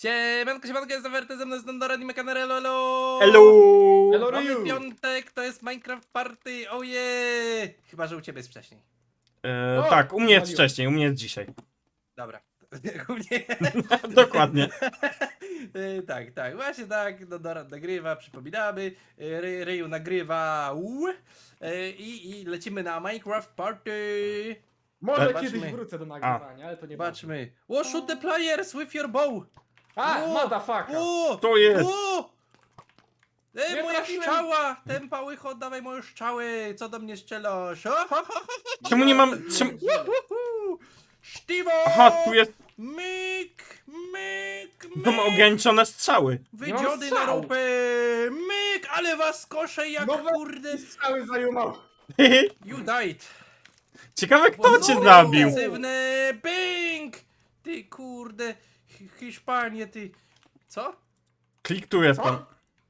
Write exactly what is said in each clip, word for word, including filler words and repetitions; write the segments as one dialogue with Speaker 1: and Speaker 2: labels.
Speaker 1: Siemanko, siemanko, jestem Werty, ze mną jest Nondoran i Mekanarello, elo!
Speaker 2: Hello!
Speaker 3: Hello,
Speaker 1: Mamy
Speaker 3: Ryu!
Speaker 1: piątek, to jest Minecraft Party, oje! Chyba, że u ciebie jest wcześniej.
Speaker 2: E,
Speaker 3: O,
Speaker 2: tak, u mnie jest
Speaker 3: wywaliłem.
Speaker 2: wcześniej, u mnie jest dzisiaj.
Speaker 1: Dobra. U mnie...
Speaker 2: Dokładnie.
Speaker 1: Y, tak, tak, właśnie tak, Nondoran nagrywa, przypominamy, y, Ry, Ryu nagrywa, u, y, i, i lecimy na Minecraft Party.
Speaker 3: Może
Speaker 1: Zobaczmy.
Speaker 3: kiedyś wrócę do nagrywania, ale to nie
Speaker 1: Zobaczmy. O, shoot the players with your bow!
Speaker 3: A,
Speaker 1: O,
Speaker 3: motherfucker!
Speaker 1: O!
Speaker 2: To jest!
Speaker 1: O! Ej,
Speaker 3: Nie
Speaker 1: moja
Speaker 3: trafiłem.
Speaker 1: strzała! Ten pałycho, oddawaj moje strzały! Co do mnie strzelasz? O, ho, ho, ho, ho.
Speaker 2: Czemu nie mam... Czemu...
Speaker 1: Uhuhu. Sztiwo!
Speaker 2: Aha, tu jest...
Speaker 1: Myk, myk,
Speaker 2: Mam
Speaker 1: myk!
Speaker 2: ograniczone strzały.
Speaker 1: Wydziody na
Speaker 3: strzał.
Speaker 1: ropę! Myk, ale was koszę jak
Speaker 3: No we-
Speaker 1: kurde!
Speaker 3: Strzały zajumał!
Speaker 1: You died!
Speaker 2: Ciekawe kto cię
Speaker 1: Pozory
Speaker 2: zabił.
Speaker 1: intensywne! Bing! Ty kurde! Hi- Hiszpanie, ty... Co?
Speaker 2: Klik tu jest pan.
Speaker 3: Co?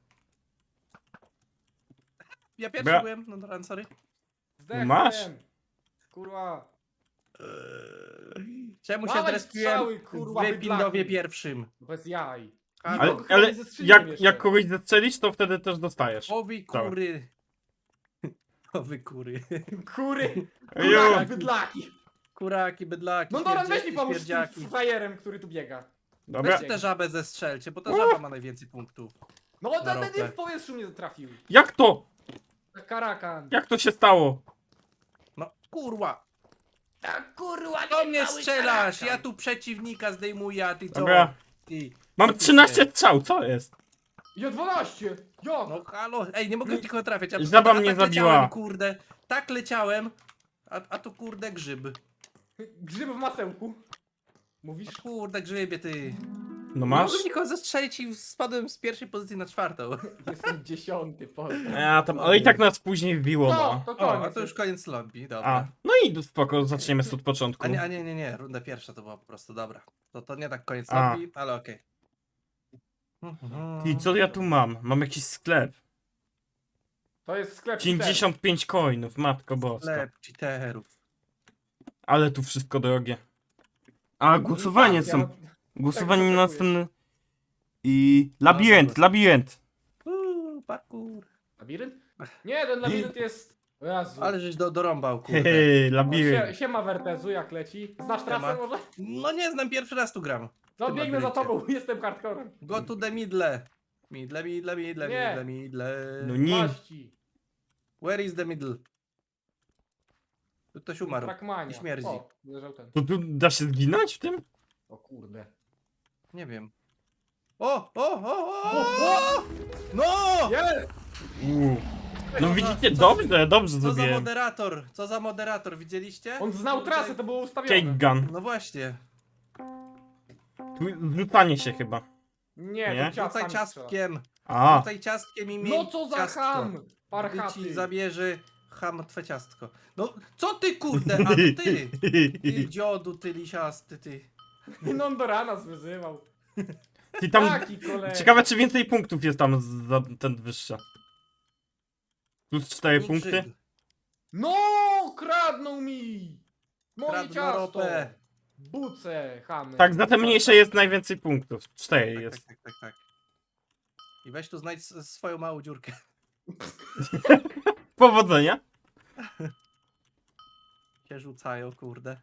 Speaker 1: Ja pierwszy
Speaker 2: Bra-
Speaker 1: byłem, no dobra, sorry.
Speaker 3: Zdechłem.
Speaker 2: Masz?
Speaker 3: Kurwa.
Speaker 1: Czemu się
Speaker 3: Dawaj
Speaker 1: drespiłem
Speaker 3: strzały, kurwa,
Speaker 1: w Windowie
Speaker 3: bydlaki.
Speaker 1: pierwszym?
Speaker 3: Bez jaj.
Speaker 1: Ale,
Speaker 2: Ale,
Speaker 3: Nikogo
Speaker 2: ale
Speaker 3: nie zestrzeliłem
Speaker 2: jak,
Speaker 3: jeszcze.
Speaker 2: jak kogoś zestrzelisz, to wtedy też dostajesz.
Speaker 1: Owi kury. Owy kury.
Speaker 3: Kury!
Speaker 2: Ejo.
Speaker 3: Kuraki, bydlaki!
Speaker 1: Kuraki, bydlaki,
Speaker 3: No Doran, weź mi
Speaker 1: śmierdziaki,
Speaker 3: pomóż z tym
Speaker 1: śmierdziaki.
Speaker 3: frajerem, który tu biega.
Speaker 2: Dobra.
Speaker 1: Weźcie tę żabę zestrzelcie, bo ta żaba ma najwięcej punktów.
Speaker 3: No
Speaker 1: Na
Speaker 3: ten
Speaker 1: ropę.
Speaker 3: nie w powietrzu mnie trafił.
Speaker 2: Jak to?
Speaker 3: Karakan.
Speaker 2: Jak to się stało?
Speaker 1: No kurwa,
Speaker 3: A kurwa,
Speaker 1: do
Speaker 3: nie
Speaker 1: mnie
Speaker 3: mały
Speaker 1: strzelasz,
Speaker 3: karakan.
Speaker 1: ja tu przeciwnika zdejmuję, a ty co?
Speaker 2: Dobra.
Speaker 1: Ty.
Speaker 2: Mam trzynaście strzał, co jest?
Speaker 3: Ja dwanaście! Jak?
Speaker 1: No halo, ej, nie mogę nikogo trafiać. Ja
Speaker 2: Żaba
Speaker 1: a
Speaker 2: mnie
Speaker 1: tak
Speaker 2: zabiła.
Speaker 1: Leciałem, kurde, tak leciałem, a, a tu kurde grzyb.
Speaker 3: Grzyb w masełku. Mówisz?
Speaker 1: O kurde grzybie, ty.
Speaker 2: No
Speaker 1: Nie
Speaker 2: masz?
Speaker 1: mogłem nikogo zestrzelić i spadłem z pierwszej pozycji na czwartą.
Speaker 3: Jestem dziesiąty, pozdro.
Speaker 2: Ja tam, ale i tak nas później wbiło,
Speaker 3: No,
Speaker 2: no.
Speaker 3: to
Speaker 1: O,
Speaker 3: koniec.
Speaker 1: a to już koniec lobby,
Speaker 2: A,
Speaker 1: dobra.
Speaker 2: no i spoko, zaczniemy od początku.
Speaker 1: A nie, a nie, nie, nie, runda pierwsza to była po prostu, dobra. To, to nie tak koniec
Speaker 2: A.
Speaker 1: lobby, ale okej.
Speaker 2: I co ja tu mam? Mam jakiś sklep.
Speaker 3: To jest sklep
Speaker 2: pięćdziesiąt pięć coinów, matko boska.
Speaker 1: Sklep cheaterów.
Speaker 2: Ale tu wszystko drogie. A, głosowanie
Speaker 3: Inflacja,
Speaker 2: są.
Speaker 3: no.
Speaker 2: Głosowanie
Speaker 3: Tak,
Speaker 2: na
Speaker 3: oczekujesz.
Speaker 2: następny... I... Labirynt, labirynt.
Speaker 1: Uuu, parkour.
Speaker 3: Labirynt? Nie, ten labirynt jest... O Jezu.
Speaker 1: Ale żeś do, dorąbał, kurde.
Speaker 2: Hehe,
Speaker 3: O, sie,
Speaker 2: labirynt.
Speaker 3: siema Wertezu, jak leci. Znasz trasę
Speaker 1: Siema.
Speaker 3: może?
Speaker 1: No nie znam, pierwszy raz tu gram.
Speaker 3: No
Speaker 1: tym
Speaker 3: biegnę za
Speaker 1: labiryncie.
Speaker 3: tobą, jestem hardcorem.
Speaker 1: Go to the middle. Middle, middle, middle,
Speaker 3: Nie.
Speaker 1: middle, middle.
Speaker 2: No nie.
Speaker 3: Maści.
Speaker 1: Where is the middle? Tu ktoś umarł.
Speaker 3: Trackmania.
Speaker 1: I śmierdzi.
Speaker 3: O, leżał ten.
Speaker 2: To tu da się zginąć w tym?
Speaker 3: O kurde.
Speaker 1: Nie wiem. O, o, o, o,
Speaker 3: O,
Speaker 1: o! No!
Speaker 3: Jest!
Speaker 2: Uuu. No
Speaker 1: Co
Speaker 2: widzicie,
Speaker 1: za-
Speaker 2: dobrze, dobrze
Speaker 1: Co za
Speaker 2: zrobiłem.
Speaker 1: moderator? Co za moderator, widzieliście?
Speaker 3: On znał
Speaker 1: Kurde.
Speaker 3: trasę, to było ustawione.
Speaker 2: Cake gun.
Speaker 1: No właśnie.
Speaker 2: Tu rzucanie się chyba.
Speaker 3: Nie,
Speaker 2: Nie?
Speaker 3: to ciastami
Speaker 1: Rzucaj
Speaker 3: strzela.
Speaker 1: ciastkiem.
Speaker 2: A,
Speaker 1: Rzucaj ciastkiem i miej
Speaker 3: No co za
Speaker 1: ciastko.
Speaker 3: ham!
Speaker 1: Gdy ci
Speaker 3: Parchaty.
Speaker 1: zabierze ham twe ciastko. No, co ty kurde, a to ty! Ty dziodu, ty lisiasty, ty.
Speaker 3: Nondora nas wyzywał.
Speaker 2: Ty tam...
Speaker 3: Taki kolega.
Speaker 2: Ciekawe czy więcej punktów jest tam za ten wyższy. Plus cztery
Speaker 1: Nikt
Speaker 2: punkty.
Speaker 1: Żyd.
Speaker 3: No, kradną mi! Moje
Speaker 1: Kradną
Speaker 3: ciasto!
Speaker 1: ropę.
Speaker 3: Buce, chamy.
Speaker 2: Tak, za te mniejsze jest najwięcej punktów. Cztery
Speaker 1: Tak,
Speaker 2: jest.
Speaker 1: tak, tak, tak, tak. I weź tu znajdź s- swoją małą dziurkę.
Speaker 2: Powodzenia.
Speaker 1: Się rzucają, kurde.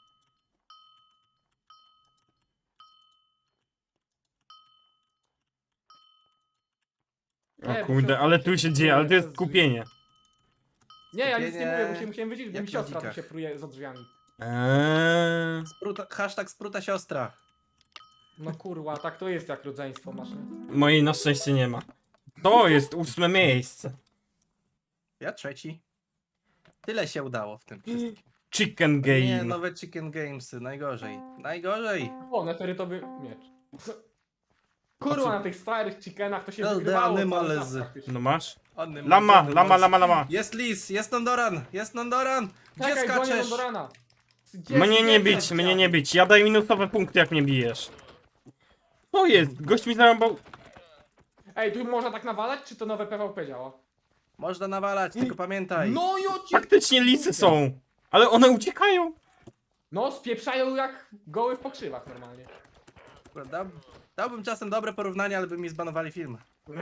Speaker 3: Nie,
Speaker 2: O kurde, ale tu się dzieje, ale to jest kupienie.
Speaker 3: Nie, ja nic nie
Speaker 1: Skupienie.
Speaker 3: mówię, musiałem, musiałem wiedzieć, bo
Speaker 1: Jak
Speaker 3: mi
Speaker 1: na
Speaker 3: siostra tu
Speaker 1: dzikach.
Speaker 3: się pruje za drzwiami.
Speaker 2: Eee.
Speaker 1: Spruta, hashtag spruta siostra.
Speaker 3: No kurwa, tak to jest jak rodzeństwo masz, nie?
Speaker 2: Mojej na szczęście nie ma. To jest ósme miejsce.
Speaker 1: Ja trzeci. Tyle się udało w tym wszystkim.
Speaker 2: Chicken
Speaker 1: Nie,
Speaker 2: game.
Speaker 1: nowe Chicken Gamesy, najgorzej. Najgorzej.
Speaker 3: O, neterytowy miecz. Kurwa, na tych starych chickenach to się
Speaker 1: No,
Speaker 3: wygrywało.
Speaker 1: the
Speaker 3: cały
Speaker 1: animals.
Speaker 3: czas praktycznie.
Speaker 2: No masz?
Speaker 1: Ony
Speaker 2: Lama,
Speaker 1: mądry,
Speaker 2: lama,
Speaker 1: mądry.
Speaker 2: lama, lama.
Speaker 1: Jest lis, jest Nondoran, jest Nondoran. Gdzie
Speaker 3: Czekaj, gonię
Speaker 1: skaczesz?
Speaker 3: Nondorana. Gdzie
Speaker 2: Mnie nie
Speaker 3: jest
Speaker 2: bić,
Speaker 3: dziadzia?
Speaker 2: mnie nie bić. Ja daję minusowe punkty jak mnie bijesz. Co jest? Gość mi zarąbał.
Speaker 3: Ej, tu można tak nawalać, czy to nowe P V P działa?
Speaker 1: Można nawalać, tylko pamiętaj.
Speaker 3: No i ocie...
Speaker 2: Faktycznie lisy są. Ale one uciekają.
Speaker 3: No, spieprzają jak goły w pokrzywach normalnie.
Speaker 1: Prawda? Dałbym czasem dobre porównanie, ale by mi zbanowali film.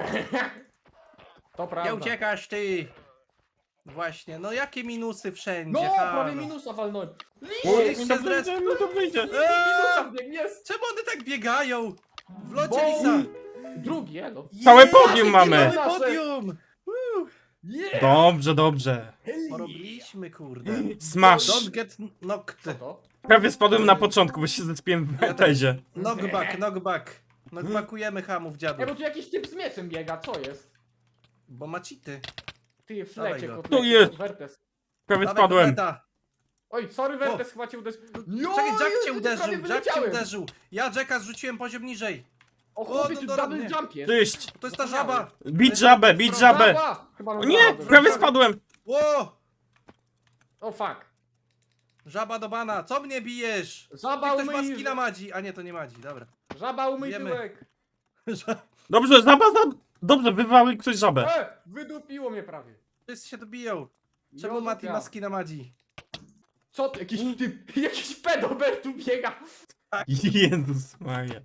Speaker 3: To prawda.
Speaker 1: Nie uciekasz ty! Właśnie, no jakie minusy wszędzie,
Speaker 3: No,
Speaker 1: halo.
Speaker 3: prawie minusa walnąłem.
Speaker 1: O,
Speaker 3: Liście!
Speaker 1: się
Speaker 2: dobrze
Speaker 1: zres-
Speaker 2: idzie, mi dobrze idzie.
Speaker 3: Minusa biegnie, jest!
Speaker 1: Czemu one tak biegają? W locie
Speaker 3: Bo-
Speaker 1: lisa!
Speaker 3: Drugi, elo.
Speaker 2: Całe
Speaker 1: Jest,
Speaker 2: podium mamy.
Speaker 1: Mamy
Speaker 3: Nasze.
Speaker 1: podium!
Speaker 3: Yeah!
Speaker 2: Dobrze, dobrze.
Speaker 1: Porobiliśmy, kurde.
Speaker 2: Smash.
Speaker 1: Don't get
Speaker 3: Co
Speaker 1: knocked.
Speaker 3: to?
Speaker 2: Prawie spadłem na początku, bo się zespiłem w tezie.
Speaker 1: Knockback, knockback. Knockbackujemy hamów
Speaker 3: Ej,
Speaker 1: dziadów.
Speaker 3: bo tu jakiś typ z mieczem biega, co jest?
Speaker 1: Bo ma cheaty.
Speaker 3: Ty w
Speaker 1: Dawaj
Speaker 3: lecie,
Speaker 1: go.
Speaker 3: kotlecie,
Speaker 2: Tu jest.
Speaker 3: Wertes.
Speaker 2: Prawie
Speaker 1: Dawaj,
Speaker 2: spadłem.
Speaker 1: kotleta.
Speaker 3: Oj, sorry Wertes, chyba cię uderzył. Jo,
Speaker 1: Czekaj, Jack
Speaker 3: Jezu,
Speaker 1: cię uderzył,
Speaker 3: prawie
Speaker 1: Jack cię
Speaker 3: wyleciałem.
Speaker 1: uderzył. Ja Jacka zrzuciłem poziom niżej.
Speaker 3: O
Speaker 1: O,
Speaker 3: chłopie,
Speaker 1: no
Speaker 3: tu
Speaker 1: dobra,
Speaker 3: double
Speaker 1: nie.
Speaker 3: jump jest.
Speaker 2: Cześć.
Speaker 1: To jest ta
Speaker 3: Zapomniałem.
Speaker 1: żaba.
Speaker 2: Bić żabę, bić żabę.
Speaker 3: Żaba! Chyba
Speaker 2: O
Speaker 3: nam
Speaker 2: nie,
Speaker 3: żaba
Speaker 2: prawie
Speaker 3: zrobiła.
Speaker 2: spadłem.
Speaker 1: Ło!
Speaker 3: O fuck.
Speaker 1: Żaba do bana, co mnie bijesz? Ty
Speaker 3: Żaba
Speaker 1: ktoś ma
Speaker 3: umyj...
Speaker 1: skina Madzi. A nie, to nie Madzi, dobra.
Speaker 3: Żaba umyj
Speaker 1: Wiemy.
Speaker 3: tyłek.
Speaker 2: Dobrze, żaba, za... Dobrze, wywały ktoś żabę.
Speaker 3: E, wydupiło mnie prawie.
Speaker 1: Wszyscy się dobiją. Czemu
Speaker 3: Jo,
Speaker 1: Mati
Speaker 3: ja.
Speaker 1: ma skina Madzi?
Speaker 3: Co ty, jakiś typ, jakiś pedober tu biega.
Speaker 2: Jezus Maria.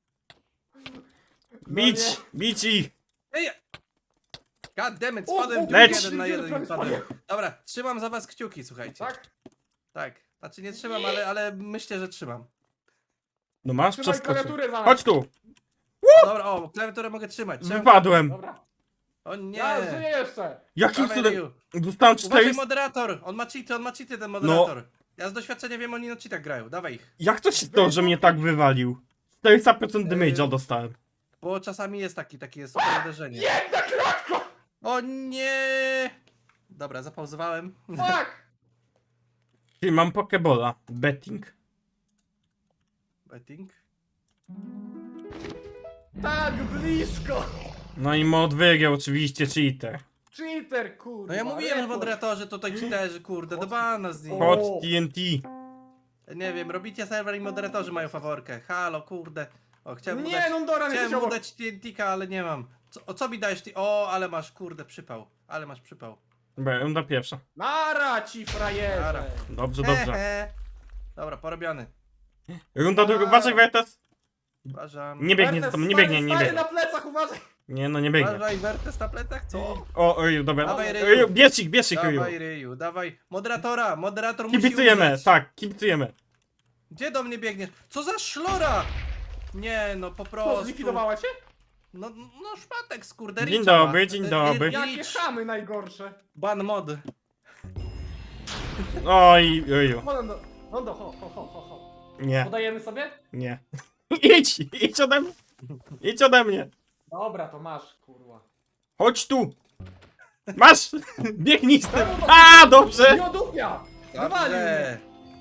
Speaker 2: Bić,
Speaker 3: nie.
Speaker 2: bić ich.
Speaker 1: Ej! God damn it,
Speaker 3: O,
Speaker 1: spadłem
Speaker 3: o,
Speaker 1: w
Speaker 2: leć!
Speaker 1: jeden na jeden i
Speaker 3: Prawie
Speaker 1: padłem. Dobra, trzymam za was kciuki, słuchajcie.
Speaker 3: Tak?
Speaker 1: Tak. Znaczy nie trzymam, ale, ale myślę, że trzymam.
Speaker 2: No masz
Speaker 3: Trzymaj
Speaker 2: przeskoczyć.
Speaker 3: klawiaturę zaraz.
Speaker 2: Chodź tu.
Speaker 1: Dobra, o, klawiaturę mogę trzymać. Czemu?
Speaker 2: Wypadłem.
Speaker 3: Dobra.
Speaker 1: O nie!
Speaker 3: Ja żyję jeszcze.
Speaker 2: Jakim
Speaker 1: Dawaj,
Speaker 2: cudem?
Speaker 1: Ryu.
Speaker 2: Dostałem
Speaker 1: Uważaj,
Speaker 2: cztery...
Speaker 1: moderator! On ma cheaty, on ma cheaty,
Speaker 2: No.
Speaker 1: ten moderator. Ja z doświadczenia wiem, oni na cheatach grają. Dawaj ich.
Speaker 2: Jak to się stało, że mnie tak wywalił? czterysta procent
Speaker 1: Yy.
Speaker 2: damage'a dostałem.
Speaker 1: Bo czasami jest taki, takie jest super uderzenie.
Speaker 3: Jedna klatka!
Speaker 1: O nie! Dobra, zapauzowałem.
Speaker 3: Fuck!
Speaker 2: Czyli mam pokebola. Betting.
Speaker 1: Betting.
Speaker 3: Tak blisko!
Speaker 2: No i mod wygrał oczywiście cheater.
Speaker 3: Cheater, kurwa.
Speaker 1: No ja mówiłem, że
Speaker 3: report.
Speaker 1: moderatorzy to tutaj cheaterzy, kurde, do bana z nich.
Speaker 3: O.
Speaker 2: Hot T N T.
Speaker 1: Nie wiem, robicie serwer i moderatorzy mają faworkę. Halo, kurde. O, chciałem mu
Speaker 3: Nie,
Speaker 1: dać,
Speaker 3: no Doran, jesteś
Speaker 1: chciałem mu
Speaker 3: obok.
Speaker 1: dać T N T-ka, ale nie mam. Co, o co mi dajesz ty? O, ale masz, kurde, przypał. Ale masz przypał.
Speaker 2: Dobra, runda pierwsza.
Speaker 3: Nara ci frajerze.
Speaker 1: Nara.
Speaker 2: Dobrze, dobrze.
Speaker 1: Hehe. Dobra, porobiony.
Speaker 2: Runda druga. Uważaj, Wertes.
Speaker 1: Uważam.
Speaker 2: Nie biegnie za
Speaker 3: Wertes,
Speaker 2: tobą, nie
Speaker 3: stary,
Speaker 2: biegnie, nie
Speaker 3: stary
Speaker 2: biegnie.
Speaker 3: na plecach, uważaj.
Speaker 2: Nie, no nie biegnie.
Speaker 1: Uważaj, Wertes na plecach, co?
Speaker 2: O, Ryu, dobra.
Speaker 1: Dawaj, Ryu.
Speaker 2: Ryu, bierz ich, bierz ich, Ryu.
Speaker 1: Dawaj, Ryju, dawaj. Moderatora, moderator musi
Speaker 2: Kibicujemy,
Speaker 1: umrzeć.
Speaker 2: tak, kibicujemy.
Speaker 1: Gdzie do mnie biegniesz? Co za szlora! Nie, no po
Speaker 3: Co,
Speaker 1: prostu.
Speaker 3: zlikwidowała cię?
Speaker 1: No, no szpatek skurde.
Speaker 2: Dzień
Speaker 1: Ricza ma.
Speaker 2: dobry, dzień
Speaker 1: Y, y,
Speaker 2: dobry.
Speaker 1: Ricz.
Speaker 3: Jakie chamy najgorsze.
Speaker 1: Ban mod.
Speaker 2: Oj, Ryu.
Speaker 3: No, no, no, no, ho, ho, ho, ho, ho.
Speaker 2: Nie,
Speaker 3: Podajemy sobie?
Speaker 2: nie. Idź, idź ode mnie. Idź ode mnie.
Speaker 3: Dobra, to masz, kurwa.
Speaker 2: Chodź tu. Masz! Biegnij z tym.
Speaker 3: Czemu to-
Speaker 2: A, dobrze.
Speaker 3: Miodupia! Wywalił mnie.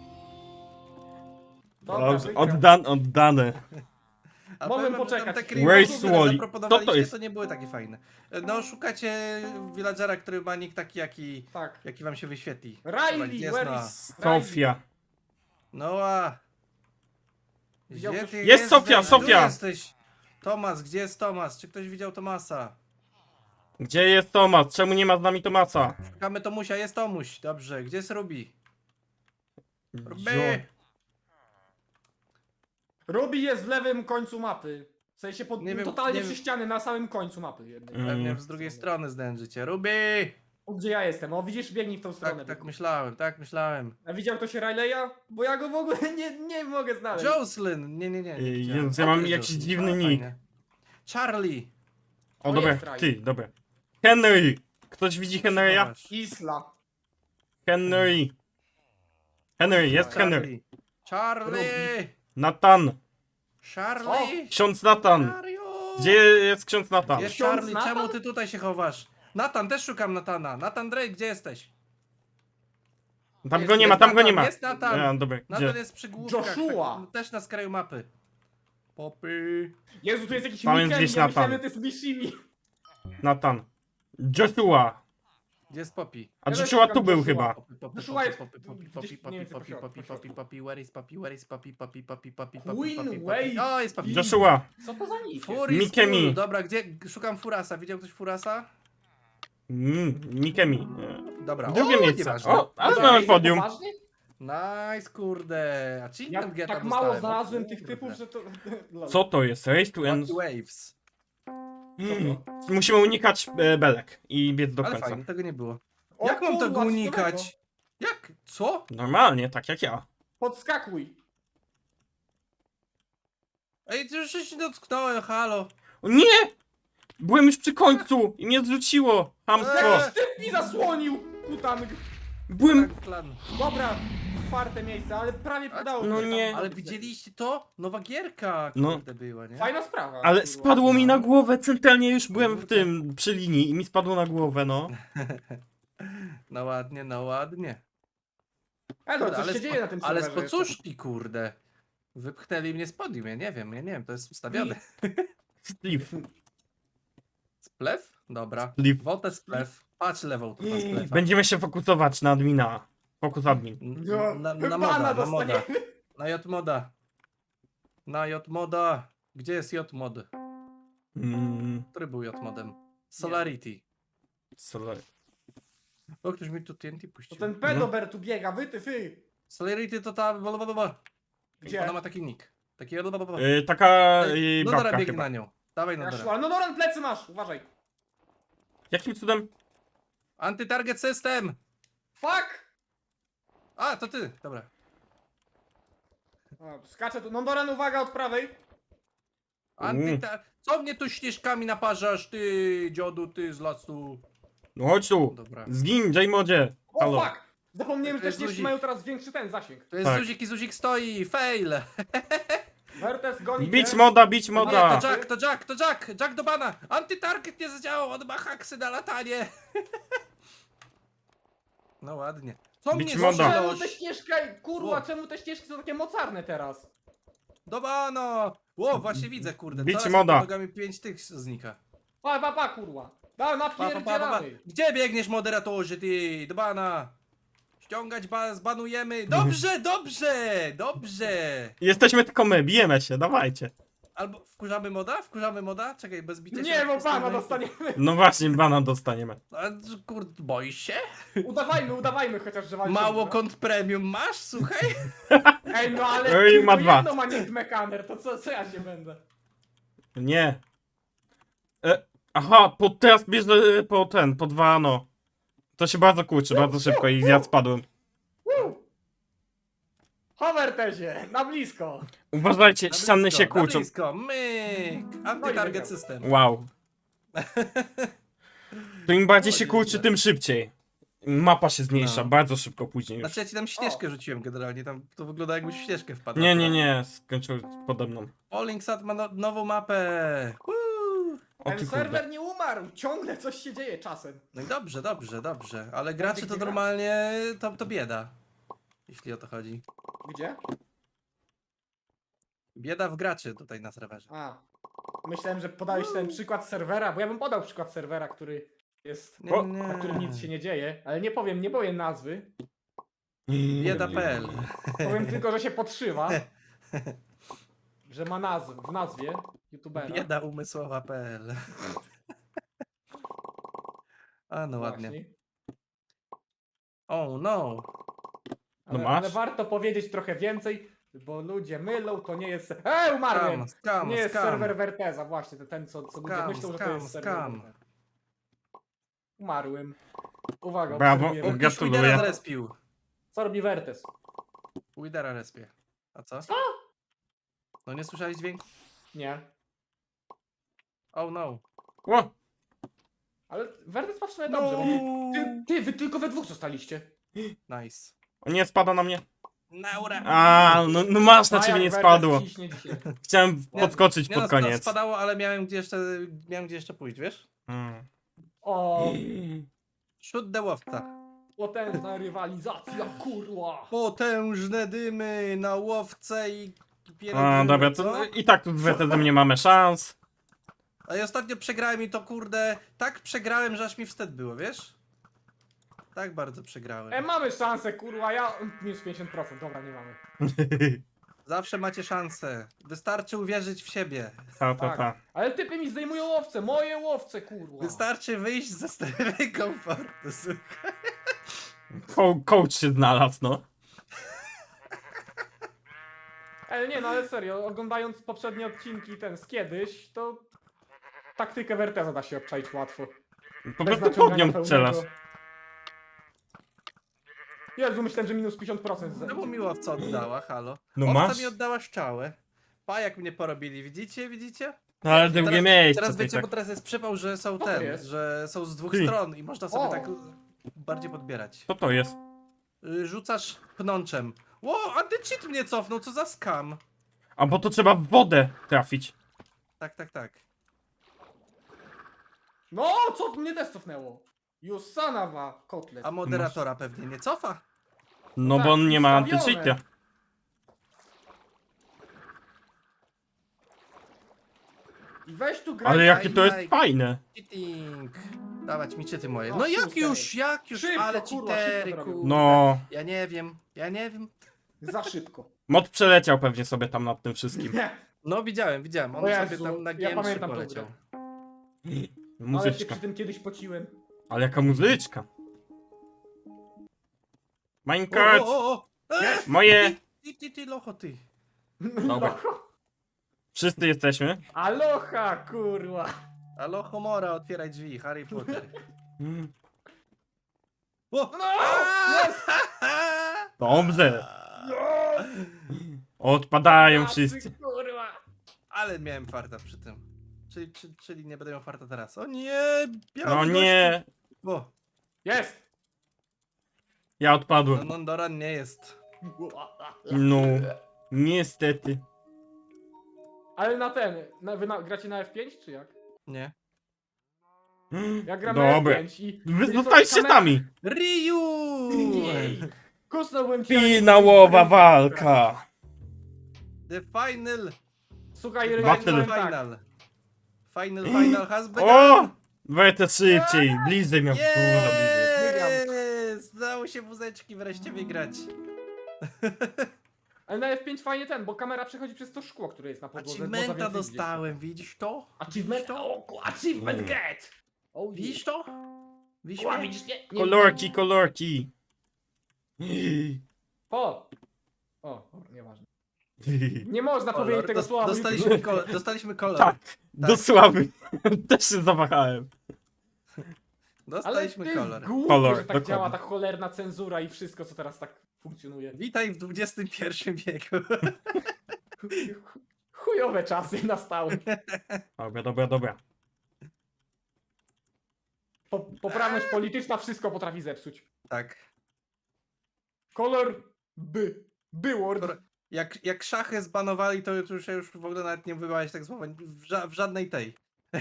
Speaker 3: Dobra,
Speaker 2: Dobrze,
Speaker 3: wygrał.
Speaker 2: oddan, oddane.
Speaker 1: A
Speaker 3: Mogłem
Speaker 1: powiem wam, że
Speaker 3: poczekać.
Speaker 1: Te
Speaker 2: Where's
Speaker 1: creepy, które
Speaker 2: Wally?
Speaker 1: zaproponowaliście,
Speaker 2: Co to jest?
Speaker 1: to nie były takie fajne. No szukacie villagera, który ma nick taki, jaki,
Speaker 3: Tak.
Speaker 1: jaki wam się wyświetli. Dobra, gdzie
Speaker 3: Riley,
Speaker 1: jest
Speaker 3: where
Speaker 1: Noa?
Speaker 3: is Riley?
Speaker 2: Sofia.
Speaker 1: Noa!
Speaker 3: Widział
Speaker 1: Gdzie
Speaker 3: ktoś-
Speaker 1: ty
Speaker 2: Jest
Speaker 1: jesteś?
Speaker 2: Sofia,
Speaker 1: Tu
Speaker 2: Sofia!
Speaker 1: jesteś. Tomas, gdzie jest Tomas? Czy ktoś widział Tomasa?
Speaker 2: Gdzie jest Tomas? Czemu nie ma z nami Tomasa?
Speaker 1: Szukamy Tomusia, jest Tomuś. Dobrze, gdzie jest Ruby?
Speaker 2: Zio-
Speaker 1: Ruby!
Speaker 3: Ruby jest w lewym końcu mapy. W sensie pod,
Speaker 1: Nie wiem,
Speaker 3: totalnie
Speaker 1: nie
Speaker 3: przy
Speaker 1: wiem.
Speaker 3: ścianie, na samym końcu mapy jednej.
Speaker 2: Mm.
Speaker 1: Pewnie z drugiej strony zdężycie. Ruby!
Speaker 3: O, gdzie ja jestem? O, widzisz, biegnij w tą stronę.
Speaker 1: Tak, tak myślałem, tak myślałem.
Speaker 3: A widział ktoś Rileya? Bo ja go w ogóle nie, nie mogę znaleźć.
Speaker 1: Jocelyn! Nie, nie, nie. nie
Speaker 2: Ej,
Speaker 1: widziałem.
Speaker 2: Jezus, ja
Speaker 1: O,
Speaker 2: mam
Speaker 1: to jest
Speaker 2: jakiś
Speaker 1: Jocelyn.
Speaker 2: dziwny
Speaker 1: A,
Speaker 2: nick.
Speaker 1: fajnie. Charlie!
Speaker 2: O,
Speaker 3: O,
Speaker 2: dobra,
Speaker 3: jest Riley.
Speaker 2: ty, dobra. Henry! Ktoś widzi Henry'a?
Speaker 1: Zobacz.
Speaker 3: Isla.
Speaker 2: Henry! Henry, jest Henry.
Speaker 1: Charlie! Charlie!
Speaker 2: Nathan!
Speaker 1: Charlie!
Speaker 2: Ksiądz Nathan!
Speaker 1: Mario!
Speaker 2: Gdzie jest ksiądz Nathan?
Speaker 1: Jest
Speaker 3: Ksiądz
Speaker 1: Charlie,
Speaker 3: Nathan?
Speaker 1: czemu ty tutaj się chowasz? Nathan, też szukam Natana. Nathan Drake, gdzie jesteś?
Speaker 2: Tam
Speaker 1: Jest-
Speaker 2: go nie ma,
Speaker 1: jest
Speaker 2: tam go nie
Speaker 1: Nathan,
Speaker 2: ma.
Speaker 1: Jest Nathan!
Speaker 2: Ja, dobra,
Speaker 1: Nathan
Speaker 2: gdzie?
Speaker 1: jest przy główkach.
Speaker 3: Joshua.
Speaker 1: Tak, też na skraju mapy. Popy.
Speaker 3: Jezu, tu jest jakiś
Speaker 2: Tam jest
Speaker 3: Mikemi,
Speaker 2: gdzieś
Speaker 3: ja
Speaker 2: Nathan.
Speaker 3: myślałem, że to jest Mishimi.
Speaker 2: Nathan. Joshua!
Speaker 1: Gdzie jest Poppy?
Speaker 2: A
Speaker 3: Ja też
Speaker 2: Joshua
Speaker 3: szukam
Speaker 2: tu był
Speaker 3: Joshua.
Speaker 2: chyba.
Speaker 1: Poppy, Poppy,
Speaker 3: Joshua
Speaker 1: Poppy,
Speaker 3: jest
Speaker 1: Poppy, Poppy,
Speaker 3: gdzieś
Speaker 1: Poppy,
Speaker 3: mniej
Speaker 1: Poppy,
Speaker 3: więcej
Speaker 1: Poppy,
Speaker 3: po
Speaker 1: Poppy,
Speaker 3: środku,
Speaker 1: Poppy,
Speaker 3: po
Speaker 1: Poppy, Where is Poppy, Where is Poppy, Poppy, Poppy, Poppy, Poppy,
Speaker 3: Queen
Speaker 1: Poppy, Poppy.
Speaker 3: Wave.
Speaker 1: O, jest Poppy.
Speaker 2: Joshua!
Speaker 3: Co to za nick?
Speaker 1: Fury
Speaker 2: Mikemi.
Speaker 1: School. Dobra, gdzie? Szukam Furasa. Widział ktoś Furasa?
Speaker 2: Mm, Mikemi.
Speaker 1: Dobra.
Speaker 2: Drugie
Speaker 1: o,
Speaker 2: miejsce.
Speaker 1: nieważne.
Speaker 2: O, ale
Speaker 3: Dobra,
Speaker 2: mamy
Speaker 3: jest
Speaker 2: podium.
Speaker 3: poważnie?
Speaker 1: Nice, kurde.
Speaker 3: Ja
Speaker 1: Achievement geta
Speaker 3: tak mało
Speaker 1: dostałem, o
Speaker 3: znalazłem tych
Speaker 1: kurde.
Speaker 3: typów, że to... Lol.
Speaker 2: Co to jest? Race to end.
Speaker 1: Lucky Waves.
Speaker 2: Mm. Musimy unikać e, belek i biec do
Speaker 1: Ale
Speaker 2: końca.
Speaker 1: fajnie, tego nie było.
Speaker 3: O
Speaker 1: Jak mam
Speaker 3: kurwa,
Speaker 1: tego
Speaker 3: co
Speaker 1: unikać? Jak? Co?
Speaker 2: Normalnie, tak jak ja.
Speaker 3: Podskakuj.
Speaker 1: Ej, ty już się dotknąłem, halo.
Speaker 2: O nie! Byłem już przy końcu i mnie zrzuciło. Hamstwo.
Speaker 1: Eee.
Speaker 3: Typ mi zasłonił! Kutang.
Speaker 2: Byłem...
Speaker 1: Tak, Klan.
Speaker 3: Dobra, czwarte miejsce, ale prawie udało
Speaker 2: No
Speaker 3: mi się
Speaker 2: nie.
Speaker 3: tam-
Speaker 1: Ale widzieliście to? Nowa gierka,
Speaker 2: No.
Speaker 1: kurde, była, nie?
Speaker 3: Fajna sprawa.
Speaker 2: Ale
Speaker 3: kurwa.
Speaker 2: spadło mi
Speaker 1: no.
Speaker 2: na głowę, centralnie już byłem w
Speaker 1: Kurde.
Speaker 2: tym, przy linii i mi spadło na głowę, no.
Speaker 1: No ładnie, no ładnie.
Speaker 3: Ale to
Speaker 1: Kurde,
Speaker 3: coś
Speaker 1: ale
Speaker 3: się
Speaker 1: z
Speaker 3: dzieje na tym
Speaker 1: po- Ale z
Speaker 3: serwerze
Speaker 1: pocuszki, kurde. Wypchnęli mnie z podium, ja nie wiem, ja nie wiem, to jest ustawione.
Speaker 2: Sleeve.
Speaker 1: Splew? Dobra.
Speaker 2: Sleeve.
Speaker 1: Wotę splew. Patrz lewą tu na splewa.
Speaker 2: Będziemy się fokusować na admina. Fokus admin.
Speaker 1: N-
Speaker 3: No,
Speaker 1: Na, na
Speaker 3: bana
Speaker 1: moda, na moda.
Speaker 3: dostaniemy.
Speaker 1: Na J moda. Na J moda. Gdzie jest J mod?
Speaker 2: Mm,
Speaker 1: Który był J modem? Solarity.
Speaker 2: sorry.
Speaker 1: O, ktoś mi tu T N T
Speaker 3: To
Speaker 1: puścił.
Speaker 3: ten pedober tu biega, wy ty fy.
Speaker 1: Solarity to ta... blablabla.
Speaker 3: Gdzie?
Speaker 1: Ona ma taki nick. Taki... blablabla.
Speaker 2: Y, taka
Speaker 1: Ej,
Speaker 2: y,
Speaker 1: No dobra,
Speaker 2: babka
Speaker 1: biegnie
Speaker 2: chyba.
Speaker 1: na nią. Dawaj
Speaker 3: Ja
Speaker 1: Nodora.
Speaker 3: szła. No Noran, plecy masz, uważaj.
Speaker 2: Jakim cudem?
Speaker 1: Anty-target system!
Speaker 3: Fuck!
Speaker 1: A, to ty, dobra.
Speaker 3: O, skaczę tu. Noran, uwaga od prawej.
Speaker 1: Antyta... Co mnie tu śnieżkami naparzasz, ty dziodu, ty z lasu?
Speaker 2: No chodź tu.
Speaker 1: Dobra.
Speaker 2: Zgin, J-modzie.
Speaker 3: O
Speaker 2: Halo.
Speaker 3: fuck! Zapomniałem, że
Speaker 1: To
Speaker 3: te
Speaker 1: jest
Speaker 3: ścieżki
Speaker 1: luzik.
Speaker 3: mają teraz większy ten zasięg.
Speaker 1: To jest
Speaker 2: Tak.
Speaker 1: Zuzik i Zuzik stoi, fail!
Speaker 3: Wertes goni
Speaker 2: Bić
Speaker 3: cię.
Speaker 2: moda, bić
Speaker 1: Nie,
Speaker 2: moda.
Speaker 1: to Jack, to Jack, to Jack! Jack do bana! Antytarget nie zadziałał, on ma haksy na latanie! No ładnie. Co
Speaker 2: Bić
Speaker 1: mnie
Speaker 2: moda.
Speaker 3: Czemu te
Speaker 1: złożyłeś?
Speaker 3: ścieżka, kurwa,
Speaker 1: O.
Speaker 3: czemu te ścieżki są takie mocarne teraz?
Speaker 1: Do bana! Ło, właśnie widzę, kurde.
Speaker 2: Bić
Speaker 1: Coraz
Speaker 2: moda.
Speaker 1: pod nogami pięć tych znika.
Speaker 3: Pa, pa, pa, kurwa. Da,
Speaker 1: Pa, pa, pa, pa, pa.
Speaker 3: napierdzielamy.
Speaker 1: Gdzie biegniesz, moderatorze, ty? Do bana! Ściągać ba zbanujemy. Dobrze, dobrze, dobrze!
Speaker 2: Jesteśmy tylko my, bijemy się, dawajcie.
Speaker 1: Albo wkurzamy moda? Wkurzamy moda? Czekaj, bez bicia się.
Speaker 3: Nie, bo pana
Speaker 1: przestawiamy.
Speaker 3: dostaniemy.
Speaker 2: No właśnie, bana dostaniemy.
Speaker 1: A, kurde, boisz się?
Speaker 3: Udawajmy, udawajmy chociaż, że walczymy.
Speaker 1: Mało
Speaker 3: no.
Speaker 1: kont premium masz, słuchaj?
Speaker 3: Ej, no ale
Speaker 2: Ej,
Speaker 3: tylko
Speaker 2: ma dwa.
Speaker 3: jedno ma nick mekaner, to co, co ja się będę?
Speaker 2: Nie. E, aha, po, teraz bierze po ten, po dwa no. To się bardzo kurczy, bardzo szybko i ja spadłem.
Speaker 3: Woo! Hovertezie, na blisko.
Speaker 2: Uważajcie,
Speaker 1: Na
Speaker 2: ściany
Speaker 1: blisko,
Speaker 2: się
Speaker 1: na
Speaker 2: kłócą.
Speaker 1: blisko, myk! Anty-target
Speaker 3: wygrał.
Speaker 1: system.
Speaker 2: Wow. To im bardziej się
Speaker 1: O,
Speaker 2: kurczy,
Speaker 1: nieźle.
Speaker 2: tym szybciej. Mapa się zmniejsza
Speaker 1: No.
Speaker 2: bardzo szybko później już.
Speaker 1: Znaczy ja ci tam ścieżkę rzuciłem generalnie, tam to wygląda jakbyś w ścieżkę wpadł.
Speaker 2: Nie, nie, nie, skończył pode mną.
Speaker 1: Polling Sat ma no, nową mapę. Woo!
Speaker 2: O
Speaker 3: Ten
Speaker 2: ty
Speaker 3: serwer
Speaker 2: kurde.
Speaker 3: nie umarł, ciągle coś się dzieje czasem.
Speaker 1: No i dobrze, dobrze, dobrze, ale gracze to
Speaker 3: gdzie gra?
Speaker 1: normalnie, to, to bieda. Jeśli o to chodzi.
Speaker 3: Gdzie?
Speaker 1: Bieda w graczy tutaj na serwerze.
Speaker 3: A. Myślałem, że podałeś ten przykład serwera, bo ja bym podał przykład serwera, który jest...
Speaker 1: Nie,
Speaker 2: O,
Speaker 1: nie.
Speaker 3: na którym nic się nie dzieje, ale nie powiem, nie powiem nazwy.
Speaker 1: Bieda kropka p l.
Speaker 3: Powiem tylko, że się podszywa. Że ma nazw w nazwie youtubera.
Speaker 1: Bieda umysłowa kropka p l. A no ładnie.
Speaker 3: Właśnie.
Speaker 1: Oh no.
Speaker 3: Ale,
Speaker 2: No masz?
Speaker 3: ale warto powiedzieć trochę więcej, bo ludzie mylą, to nie jest... Ej, umarłem!
Speaker 1: Skam, skam,
Speaker 3: nie jest
Speaker 1: skam.
Speaker 3: serwer Verteza, właśnie, to ten, co, co ludzie
Speaker 1: Skam,
Speaker 3: myślą, że to
Speaker 1: skam,
Speaker 3: jest serwer
Speaker 1: skam.
Speaker 3: Verteza. Umarłem. Uwaga,
Speaker 2: Brawo.
Speaker 3: obserwujemy.
Speaker 1: Ktoś
Speaker 2: Gratuluję.
Speaker 1: Widera zrespił.
Speaker 3: Co robi Vertez?
Speaker 1: Widera respie. A co?
Speaker 3: Co?
Speaker 1: No nie słyszałeś dźwięku?
Speaker 3: Nie.
Speaker 1: Oh no.
Speaker 2: O,
Speaker 3: Ale Vertez ma w sumie
Speaker 1: No.
Speaker 3: dobrze, bo ty, ty, wy tylko we dwóch zostaliście.
Speaker 1: Nice.
Speaker 2: o nie, spada na mnie.
Speaker 1: Naura.
Speaker 2: A, no, no masz, na
Speaker 3: A
Speaker 2: ciebie
Speaker 3: jak
Speaker 2: nie
Speaker 3: Vertez
Speaker 2: spadło.
Speaker 3: ciśnie dzisiaj.
Speaker 2: Chciałem
Speaker 1: Nie,
Speaker 2: podskoczyć
Speaker 1: Nie
Speaker 2: pod
Speaker 1: no, spa-
Speaker 2: koniec.
Speaker 1: spadało, ale miałem gdzie jeszcze, miałem gdzie jeszcze pójść, wiesz?
Speaker 2: Mm.
Speaker 3: O,
Speaker 1: Shoot the łowca.
Speaker 3: potężna rywalizacja, kurwa.
Speaker 1: Potężne dymy na łowce i
Speaker 2: A, dobra, to i tak tu z Wertezem nie mamy szans.
Speaker 1: A ja ostatnio przegrałem i to kurde, tak przegrałem, że aż mi wstyd było, wiesz? Tak bardzo przegrałem.
Speaker 3: E, mamy szansę, kurwa, ja... Minus pięćdziesiąt procent, dobra, nie mamy.
Speaker 1: Zawsze macie szansę. Wystarczy uwierzyć w siebie.
Speaker 2: Ta, ta,
Speaker 3: Tak.
Speaker 2: ta.
Speaker 3: Ale typy mi zdejmują łowce, moje łowce, kurwa.
Speaker 1: Wystarczy wyjść ze strefy komfortu. słuchaj.
Speaker 2: Co coach się znalazł, no.
Speaker 3: Ale nie, no ale serio, oglądając poprzednie odcinki ten z kiedyś, to taktykę Werteza da się obczaić łatwo.
Speaker 2: Po
Speaker 3: Bez
Speaker 2: prostu pod
Speaker 3: naciągania
Speaker 2: nią
Speaker 3: pełnego.
Speaker 2: strzelasz.
Speaker 3: Jezu, myślałem, że minus pięćdziesiąt procent.
Speaker 1: No bo miło co oddała, halo.
Speaker 2: No
Speaker 1: Owca
Speaker 2: masz?
Speaker 1: mi oddała szczałę. Pa jak mnie porobili, widzicie, widzicie?
Speaker 2: No, ale drugie
Speaker 1: Teraz-
Speaker 2: miejsce.
Speaker 1: Teraz
Speaker 2: to i
Speaker 1: wiecie, bo
Speaker 2: tak.
Speaker 1: teraz jest przypał, że są
Speaker 3: to
Speaker 1: ten,
Speaker 3: jest?
Speaker 1: że są z dwóch
Speaker 2: Ty.
Speaker 1: stron i można sobie
Speaker 3: O.
Speaker 1: tak bardziej podbierać.
Speaker 2: Co to jest?
Speaker 1: Y, Rzucasz pnączem. Ło, antycheat mnie cofnął, co za skam.
Speaker 2: A bo to trzeba w wodę trafić.
Speaker 1: Tak, tak, tak.
Speaker 3: No, co mnie też cofnęło? Jusanawa, kotlet.
Speaker 1: A moderatora pewnie nie cofa.
Speaker 2: No
Speaker 3: tak,
Speaker 2: bo on nie ma
Speaker 3: ustawione.
Speaker 2: antycheata.
Speaker 3: I weź tu graj.
Speaker 2: Ale jakie to jest
Speaker 1: Aj, aj.
Speaker 2: fajne.
Speaker 1: Cheating. Dawać mi czyty moje.
Speaker 3: O,
Speaker 1: No jak
Speaker 3: szóstka
Speaker 1: już,
Speaker 3: jest.
Speaker 1: jak już,
Speaker 3: Szybko,
Speaker 1: ale
Speaker 3: kurwa,
Speaker 1: cheatery,
Speaker 3: szybko to robią.
Speaker 1: kurde.
Speaker 2: No.
Speaker 1: Ja nie wiem, ja nie wiem.
Speaker 3: Za szybko.
Speaker 2: Mod przeleciał pewnie sobie tam nad tym wszystkim.
Speaker 1: No widziałem, widziałem. On
Speaker 3: O
Speaker 1: sobie
Speaker 3: Jezu,
Speaker 1: tam na
Speaker 3: ja
Speaker 1: G M trzy
Speaker 3: pamiętam tą
Speaker 1: poleciał.
Speaker 3: grę. Ale się
Speaker 2: Muzyczka.
Speaker 3: przy tym kiedyś pociłem.
Speaker 2: Ale jaka muzyczka.
Speaker 1: O,
Speaker 2: Minecraft.
Speaker 1: o, o, o. E,
Speaker 2: Moje.
Speaker 1: Ty, ty, ty, locho, ty.
Speaker 2: Dobra. Wszyscy jesteśmy.
Speaker 3: Aloha, kurwa.
Speaker 1: Alo, Homora, otwieraj drzwi, Harry Potter.
Speaker 2: Mm,
Speaker 1: O!
Speaker 3: No!
Speaker 1: A!
Speaker 3: Jest!
Speaker 2: Dobrze. Odpadają
Speaker 3: Tacy,
Speaker 2: wszyscy.
Speaker 3: Kurwa.
Speaker 1: Ale miałem farta przy tym. Czyli, czyli, czyli nie będę miał farta teraz. O nie! biały
Speaker 2: No
Speaker 1: gościu.
Speaker 2: nie.
Speaker 1: O,
Speaker 3: Jest!
Speaker 2: Ja
Speaker 1: no
Speaker 2: odpadłem.
Speaker 1: Nondoran nie jest.
Speaker 2: No. Niestety.
Speaker 3: Ale na ten, na, wy na, gracie na F pięć czy jak?
Speaker 1: Nie.
Speaker 3: Ja gram na
Speaker 2: Dobra.
Speaker 3: F pięć i...
Speaker 2: Wy
Speaker 3: i co,
Speaker 2: zostaliście
Speaker 3: kamera-
Speaker 2: sami.
Speaker 1: Ryu!
Speaker 3: Jej. Kusnąłbym cię.
Speaker 2: Finałowa walka.
Speaker 1: The final.
Speaker 3: Słuchaj,
Speaker 2: Battle.
Speaker 3: Rynek,
Speaker 1: Final.
Speaker 3: powiem tak.
Speaker 1: Final. Final, final has begun.
Speaker 2: O! Wejdę szybciej. Bliżej miał. Dużo bliżej.
Speaker 1: Yes! Udało się wózeczki wreszcie wygrać.
Speaker 3: Ale na F pięć fajnie ten, bo kamera przechodzi przez to szkło, które jest na podłodze. można
Speaker 1: Achievementa
Speaker 3: więcej widzieć.
Speaker 1: dostałem, widzisz to?
Speaker 3: Achievement? O, ku- achievement
Speaker 2: Mm.
Speaker 3: get! O,
Speaker 1: Widzisz to? Widzisz
Speaker 3: O,
Speaker 1: mnie?
Speaker 3: widzisz, nie, nie,
Speaker 2: Kolorki, kolorki.
Speaker 3: O! O, o, nieważne. Nie można
Speaker 1: Kolor.
Speaker 3: powiedzieć tego
Speaker 1: Dos-
Speaker 3: słowa. bo
Speaker 1: Dostaliśmy, kolor, dostaliśmy kolor.
Speaker 2: Tak, do sławy. Też się zawahałem.
Speaker 3: Ale
Speaker 1: Dostaliśmy
Speaker 3: to jest
Speaker 1: kolor.
Speaker 3: głupie,
Speaker 2: Kolor,
Speaker 3: że tak
Speaker 2: dokładnie.
Speaker 3: działa ta cholerna cenzura i wszystko, co teraz tak funkcjonuje.
Speaker 1: Witaj w dwudziestym pierwszym wieku.
Speaker 3: Chujowe czasy nastały.
Speaker 2: Dobra, dobra, dobra.
Speaker 3: Po, poprawność polityczna wszystko potrafi zepsuć.
Speaker 1: Tak.
Speaker 3: Kolor by. Byword.
Speaker 1: Kolor- Jak, jak szachy zbanowali, to już już w ogóle nawet nie wymawiać tak słowa. W, ża w żadnej tej.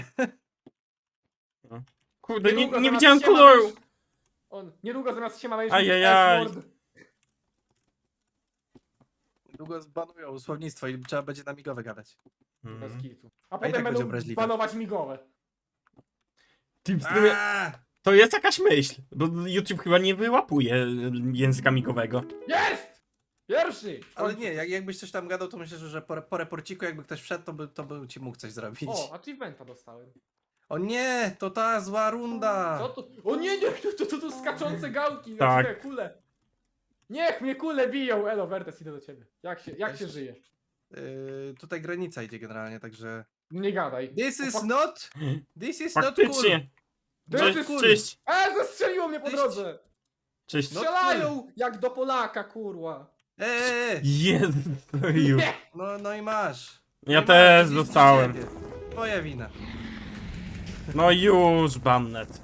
Speaker 2: Kurde, nie,
Speaker 3: Niedługo
Speaker 2: nie
Speaker 3: zamiast
Speaker 2: widziałem
Speaker 3: siema
Speaker 2: koloru.
Speaker 3: będziesz- On, niedługo zamiast się ma będziesz
Speaker 2: Ajajaj.
Speaker 3: S-word.
Speaker 1: Długo zbanują słownictwo i trzeba będzie na migowe gadać.
Speaker 3: Bez
Speaker 2: Mhm.
Speaker 3: kitu. A
Speaker 1: i
Speaker 3: potem
Speaker 1: tak będzie
Speaker 3: będą
Speaker 1: obraźliwe.
Speaker 3: banować migowe.
Speaker 2: Ty, w sumie,
Speaker 1: Aaa!
Speaker 2: to jest jakaś myśl, bo YouTube chyba nie wyłapuje języka migowego.
Speaker 3: Jest! Pierwszy!
Speaker 1: Ale nie, jak, jakbyś coś tam gadał, to myślę, że po, po reporciku jakby ktoś wszedł, to by, to by ci mógł coś zrobić.
Speaker 3: O, achievementa dostałem.
Speaker 1: O nie, to ta zła runda.
Speaker 3: Co to? O nie, nie, to, to, to, to skaczące gałki,
Speaker 2: Tak.
Speaker 3: tak. kule. Niech mnie kule biją. Elo, Wertes, idę do ciebie. Jak się, jak się żyje?
Speaker 1: Yy, tutaj granica idzie generalnie, także...
Speaker 3: Nie gadaj.
Speaker 1: This
Speaker 3: O,
Speaker 1: is
Speaker 3: fak-
Speaker 1: not... This is not cool.
Speaker 2: Faktycznie.
Speaker 3: To
Speaker 2: Cześć,
Speaker 3: jest
Speaker 1: cool.
Speaker 2: cześć,
Speaker 3: E, zastrzeliło mnie po
Speaker 1: Cześć.
Speaker 3: drodze!
Speaker 2: cześć.
Speaker 1: No
Speaker 3: Strzelają jak do Polaka, kurwa.
Speaker 1: Eee,
Speaker 2: Jezu, serio.
Speaker 3: Nie!
Speaker 1: no, no i masz.
Speaker 2: Ja
Speaker 1: Nie
Speaker 2: też
Speaker 1: masz, nic
Speaker 2: dostałem.
Speaker 1: z ciebie. Twoja wina.
Speaker 2: No już, Bannet.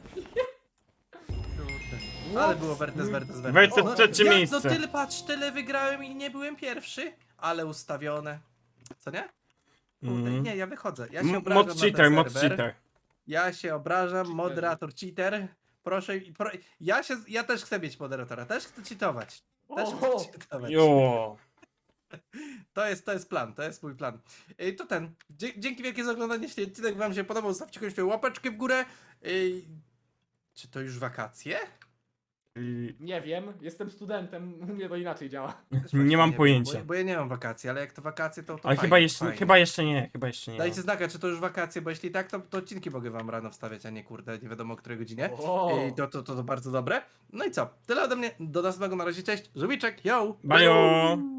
Speaker 1: Kurde. Ale było Wertes, Wertes, Wertes.
Speaker 2: Wertes
Speaker 1: O,
Speaker 2: trzecie
Speaker 1: ja,
Speaker 2: miejsce.
Speaker 1: No tyle, patrz, tyle wygrałem i nie byłem pierwszy, ale ustawione. Co nie? Kurde,
Speaker 2: Mm.
Speaker 1: nie, ja wychodzę. Ja się
Speaker 2: M-
Speaker 1: obrażam
Speaker 2: Mod
Speaker 1: na
Speaker 2: cheater,
Speaker 1: ten
Speaker 2: mod
Speaker 1: serwer.
Speaker 2: cheater.
Speaker 1: Ja się obrażam, moderator cheater. Proszę, pro... ja się, ja też chcę mieć moderatora, też chcę cheatować. Też
Speaker 3: Oho.
Speaker 1: chcę cheatować.
Speaker 2: Jo.
Speaker 1: To jest, to jest plan, to jest mój plan. Ej, to ten. Dzie dzięki wielkie za oglądanie. Jeśli odcinek wam się podobał, zostawcie koniecznie łapeczkę w górę. Ej, czy to już wakacje?
Speaker 2: Y,
Speaker 3: Nie wiem, jestem studentem, u mnie to inaczej działa.
Speaker 1: Też właśnie
Speaker 2: Nie mam
Speaker 1: wiem,
Speaker 2: pojęcia.
Speaker 1: Bo, bo ja nie mam wakacji, ale jak to wakacje, to, to
Speaker 2: Ale
Speaker 1: fajnie,
Speaker 2: chyba jeszcze,
Speaker 1: fajnie.
Speaker 2: chyba jeszcze nie, chyba jeszcze nie.
Speaker 1: Dajcie znaka, czy to już wakacje, bo jeśli tak, to, to odcinki mogę wam rano wstawiać, a nie kurde, nie wiadomo o której godzinie.
Speaker 3: O.
Speaker 1: Ej, to, to, to, to bardzo dobre. No i co? Tyle ode mnie. Do następnego, na razie, cześć. Żółwiczek, yo!
Speaker 2: Bajo.